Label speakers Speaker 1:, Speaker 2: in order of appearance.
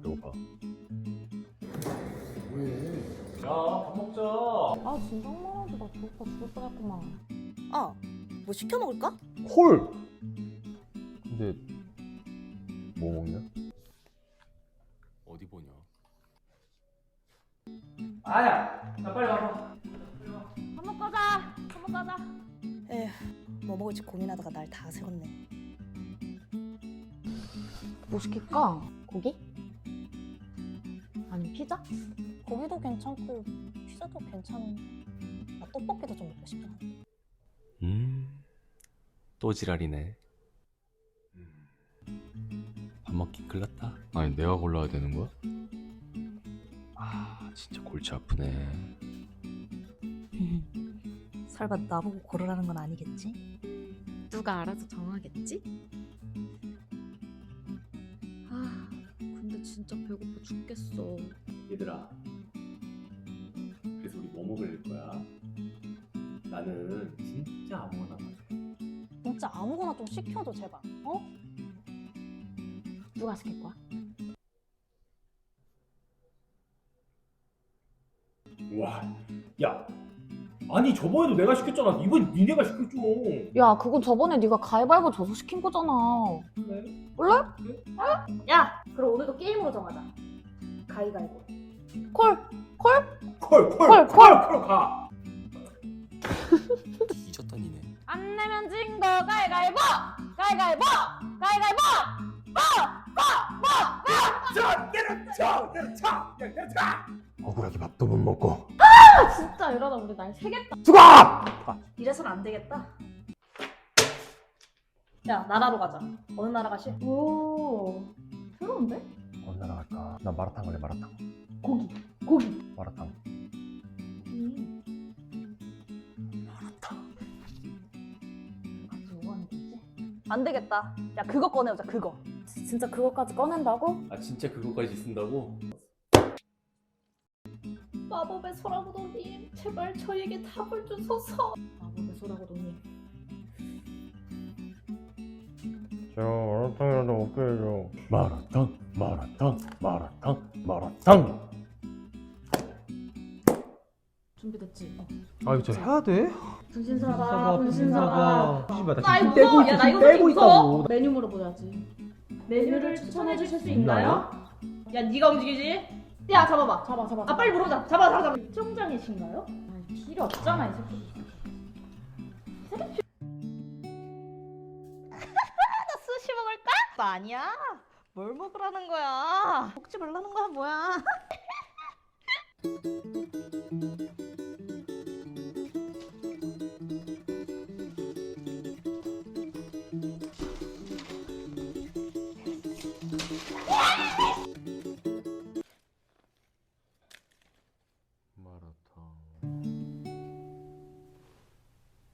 Speaker 1: 배고파.
Speaker 2: 야, 밥 먹자.
Speaker 3: 아 진짜 말하지 나 배고파 죽을 뻔했구만.
Speaker 4: 아, 뭐 시켜 먹을까?
Speaker 1: 콜! 근데 뭐 먹냐?
Speaker 2: 어디 보냐?
Speaker 5: 아야, 나 빨리 와봐.
Speaker 3: 밥 먹고 가자. 밥 먹고 가자.
Speaker 4: 에휴, 뭐 먹을지 고민하다가 날 다 세웠네.
Speaker 3: 뭐 시킬까? 고기? 아니 피자?
Speaker 4: 고기도 괜찮고 피자도 괜찮은데 나 떡볶이도 좀 먹고 싶긴 한데.
Speaker 2: 또 지랄이네. 밥 먹기 글렀다. 아니 내가 골라야 되는 거야? 아 진짜 골치 아프네.
Speaker 4: 설마 나보고 고르라는 건 아니겠지?
Speaker 3: 누가 알아서 정하겠지? 아 근데 진짜 배고파 죽겠어.
Speaker 2: 얘들아, 그래서 우리 뭐 먹을 거야? 나는 진짜 아무거나 먹어.
Speaker 4: 진짜 아무거나 좀 시켜줘 제발. 어?
Speaker 3: 누가 시킬 거야?
Speaker 5: 와, 야, 아니 저번에도 내가 시켰잖아. 이번 니네가 시켰죠.
Speaker 3: 야 그건 저번에 네가 가위바위보 져서 시킨 거잖아.
Speaker 5: 그래?
Speaker 3: 몰래? 야 그럼 오늘도 게임으로 정하자. 가위바위보.
Speaker 4: 콜!
Speaker 3: 콜!
Speaker 5: 가.
Speaker 2: 잊었던 이네.
Speaker 3: 안 내면 진 거 가위바위보! 가위바위보! 가위바위보!
Speaker 5: 내려차.
Speaker 1: 억울하게 밥도 못 먹고.
Speaker 3: 아 진짜 이러다 우리 날 새겠다.
Speaker 1: 죽어!
Speaker 4: 이래선 안 되겠다. 야 나라로 가자. 어느 나라 가시?
Speaker 3: 오 새로운데?
Speaker 1: 어느 나라 갈까? 나 마라탕 갈래. 마라탕.
Speaker 3: 고기.
Speaker 1: 마라탕.
Speaker 3: 갑자기 뭐 하는 거지?
Speaker 4: 안 되겠다. 야 그거 꺼내오자 그거.
Speaker 3: 진짜 그것까지 꺼낸다고?
Speaker 2: 아 진짜 그거까지 쓴다고?
Speaker 3: 마법의 소라고도님 제발 저에게 답을 주소서. 마법의 소라고도님.
Speaker 1: 저 마라탕이라도 먹게 해줘. 마라탕.
Speaker 3: 준비됐지?
Speaker 6: 아 이거 저 해야 돼?
Speaker 3: 분신사가
Speaker 6: 씨발
Speaker 3: 나 이거
Speaker 6: 떼고
Speaker 3: 무서워.
Speaker 6: 있어.
Speaker 3: 야, 나 이거
Speaker 6: 떼고
Speaker 3: 솔직히
Speaker 6: 있다고.
Speaker 3: 무서워. 메뉴 물어보야지. 메뉴를 추천해 주실 수 있나요?
Speaker 4: 야 네가 움직이지?
Speaker 3: 야 잡아봐. 잡아.
Speaker 4: 아 빨리 물어보자. 잡아.
Speaker 3: 시청장이신가요? 아니, 필요 없잖아 이 새끼.
Speaker 4: 나 스시 먹을까? 아니야. 뭘 먹으라는 거야? 먹지 말라는 거야 뭐야?